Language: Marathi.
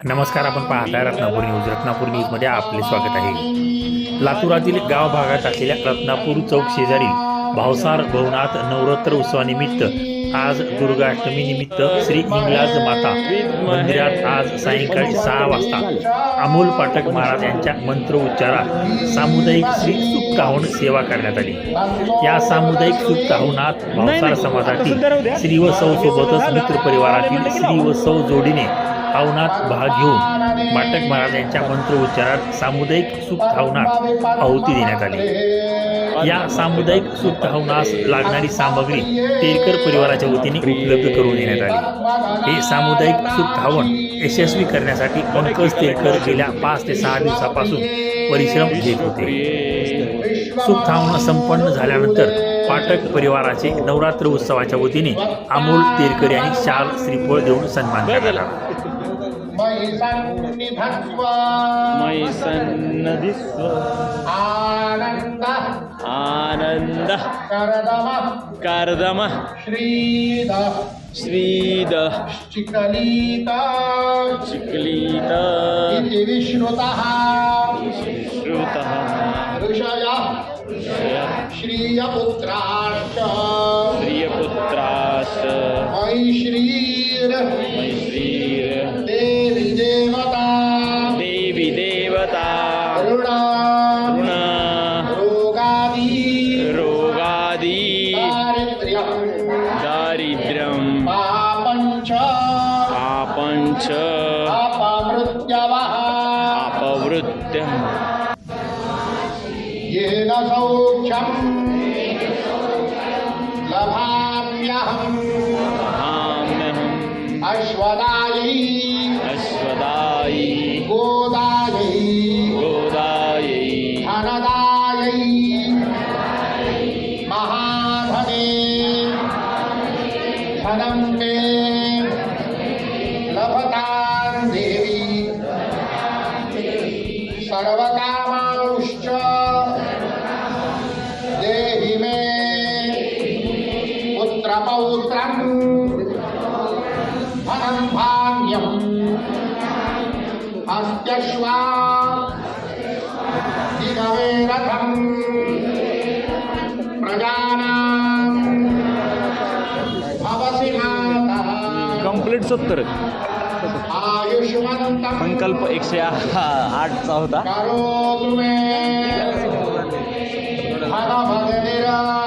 नमस्कार, आपण पाहताय रत्नापूर न्यूज. रत्नापूर न्यूजमध्ये आपले स्वागत आहे. लातूरातील गाव भागात असलेल्या रत्नापूर चौक शेजारील भावसार भवनात नवरात्र उत्सवानिमित्त आज दुर्गाष्टमी निमित्त श्री हिंगलाज माता मंदिरात आज सायंकाळी 6 वाजता अमोल पाठक महाराज यांच्या मंत्रोच्चारात सामुदायिक श्री सुक्ताहून सेवा करण्यात आली. या सामुदायिक सुक्ताहूनात भावसार समाजातील श्री व सौ सोबतच मित्र परिवारातील श्री व सौ जोडीने हवनात भाग घेऊन पाठक महाराज यांच्या मंत्रोच्चारात सामुदायिक सुक्ताहूनात आहुती देण्यात आली. या सामुदायिक सुक्ताहूनास लागणारी सामग्री तेलकर परिवाराच्या वतीने उपलब्ध करून देण्यात आली. हे सामुदायिक सुक्ताहून यशस्वी करण्यासाठी पंकज तेलकर गेल्या 5 ते 6 दिवसापासून परिश्रम घेत होते. सुक्ताहून संपन्न झाल्यानंतर पाठक परिवाराचे नवरात्र उत्सवाच्या वतीने अमोल तेलकर यांनी शाल श्रीफळ देऊन सन्मान करण्यात आला. आनंद कर्दम श्रीद चिकलिता विश्रुतः ऋषय श्रियपुत्राश्च मैश्रीर देवी देवता ऋण रोगादि दारिद्र्यं पापञ्च अपमृत्यं येन सौख्यं लभाम्यहम् अश्वदायै गोदायै धनदायै महाधने धनं मे लभतां देवी सर्वकामांश्च देहि मे पुत्रपौत्रं धनं धान्यम् अस्त्यश्वा दिगवे रथं प्रजानां भवसि माता. कंप्लीट 70 आयुष्मन्तं संकल्प 108चा होता. करोतु मे भगवद्गीता